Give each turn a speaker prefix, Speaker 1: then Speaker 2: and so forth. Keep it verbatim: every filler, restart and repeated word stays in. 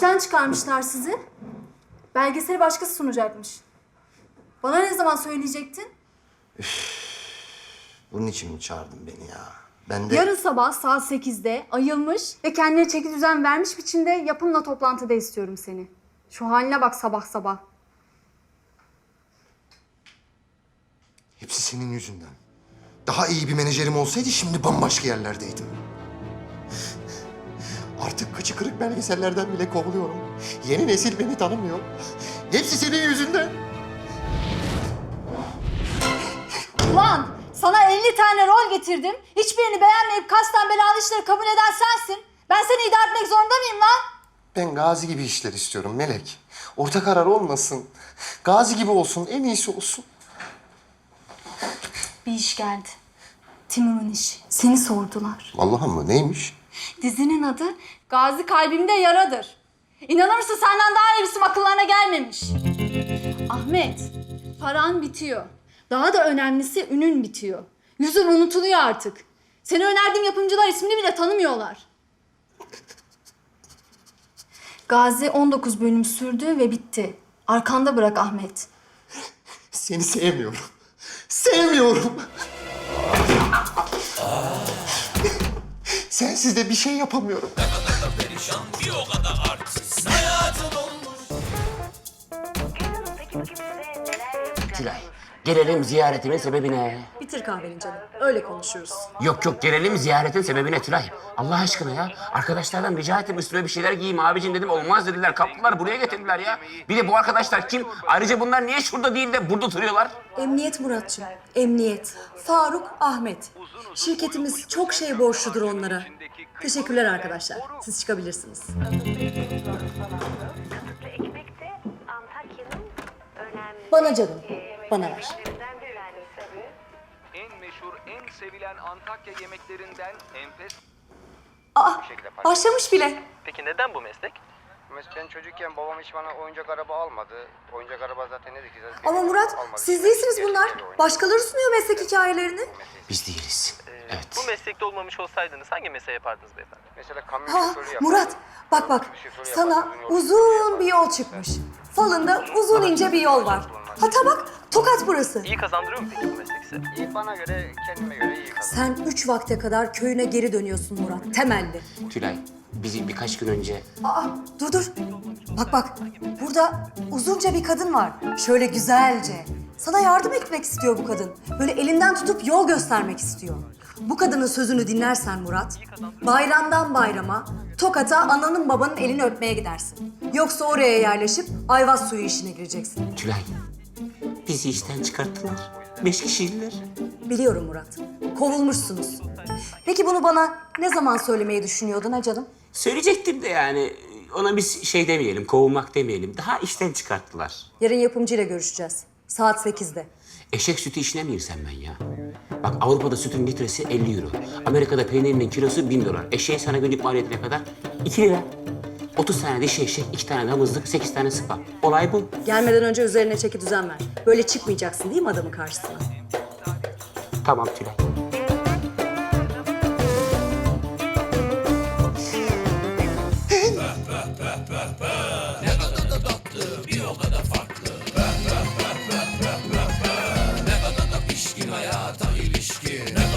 Speaker 1: İşten çıkarmışlar sizi. Belgeseli başkası sunacakmış. Bana ne zaman söyleyecektin?
Speaker 2: Bunun için mi çağırdın beni ya? Ben de...
Speaker 1: Yarın sabah saat sekizde ayılmış ve kendine çeki düzen vermiş biçimde yapımla toplantıda istiyorum seni. Şu haline bak sabah sabah.
Speaker 2: Hepsi senin yüzünden. Daha iyi bir menajerim olsaydı şimdi bambaşka yerlerdeydim. Artık kıçı kırık belgesellerden bile kovuluyorum. Yeni nesil beni tanımıyor. Hepsi senin yüzünden.
Speaker 1: Ulan sana elli tane rol getirdim. Hiçbirini beğenmeyip kasten belalı işleri kabul eden sensin. Ben seni idare etmek zorunda mıyım lan?
Speaker 2: Ben Gazi gibi işler istiyorum Melek. Orta karar olmasın. Gazi gibi olsun, en iyisi olsun.
Speaker 1: Bir iş geldi. Timur'un işi. Seni sordular.
Speaker 2: Allah'ım mı? Neymiş?
Speaker 1: Dizinin adı Gazi Kalbimde Yaradır. İnanır mısın senden daha iyisi akıllarına gelmemiş. Ahmet, paran bitiyor. Daha da önemlisi ünün bitiyor. Yüzün unutuluyor artık. Seni önerdiğim yapımcılar ismini bile tanımıyorlar. Gazi on dokuz bölüm sürdü ve bitti. Arkanda bırak Ahmet.
Speaker 2: Seni sevmiyorum. Sevmiyorum. Sensiz de bir şey yapamıyorum.
Speaker 3: Tülay, gelelim ziyaretimin sebebine.
Speaker 4: Bitir kahveni canım. Öyle konuşuruz.
Speaker 3: Yok yok, gelelim ziyaretin sebebine Tülay. Allah aşkına ya. Arkadaşlardan rica ettim, üstüme bir şeyler giyeyim abicim dedim. Olmaz dediler, kaptılar buraya getirdiler ya. Bir de bu arkadaşlar kim? Ayrıca bunlar niye şurada değil de burada duruyorlar?
Speaker 4: Emniyet Muratçım, emniyet. Faruk, Ahmet. Şirketimiz çok şey borçludur onlara. Teşekkürler arkadaşlar. Siz çıkabilirsiniz. Bana canım, bana ver.
Speaker 5: En meşhur, en sevilen Antakya yemeklerinden enfes...
Speaker 4: Aa, başlamış bile.
Speaker 6: Peki neden bu meslek?
Speaker 7: Ben çocukken babam hiç bana oyuncak araba almadı. Oyuncak araba zaten ne dikeceğiz?
Speaker 4: Ama Murat, siz değilsiniz bunlar. Başkaları sunuyor meslek hikayelerini.
Speaker 3: Biz değiliz. Evet.
Speaker 6: Bu meslekte olmamış olsaydınız hangi mesleği yapardınız beyefendi?
Speaker 7: Mesela kamyon
Speaker 4: Ha,
Speaker 7: şoförü yapar.
Speaker 4: Murat, bak bak. Sana uzun bir yol çıkmış. Falında uzun ince bir yol var. Hatta bak, Tokat burası.
Speaker 6: İyi kazandırıyor mu peki bu meslek size?
Speaker 7: İyi, bana göre, kendime göre iyi kazandım.
Speaker 4: Sen üç vakte kadar köyüne geri dönüyorsun Murat, temelli.
Speaker 3: Tülay, bizi birkaç gün önce...
Speaker 4: Aa, dur dur. Bak bak, burada uzunca bir kadın var. Şöyle güzelce. Sana yardım etmek istiyor bu kadın. Böyle elinden tutup yol göstermek istiyor. Bu kadının sözünü dinlersen Murat, bayramdan bayrama Tokat'a ananın babanın elini öpmeye gidersin. Yoksa oraya yerleşip ayvaz suyu işine gireceksin.
Speaker 3: Tülay, bizi işten çıkarttılar. Beş kişiydiler.
Speaker 4: Biliyorum Murat, kovulmuşsunuz. Peki bunu bana ne zaman söylemeyi düşünüyordun ha canım?
Speaker 3: Söyleyecektim de yani ona biz şey demeyelim, kovulmak demeyelim. Daha işten çıkarttılar.
Speaker 4: Yarın yapımcıyla görüşeceğiz. Saat sekizde.
Speaker 3: Eşek sütü işine mi girsem ben ya? Bak Avrupa'da sütün litresi elli euro. Amerika'da peynirinin kilosu bin dolar. Eşeğin sana günlük maliyeti ne kadar? iki lira. otuz tane dişi eşek, iki tane damızlık, sekiz tane sıpa. Olay bu.
Speaker 4: Gelmeden önce üzerine çeki düzen ver. Böyle çıkmayacaksın değil mi adamın karşısına?
Speaker 3: Tamam Tülay.
Speaker 8: Hayata ilişkin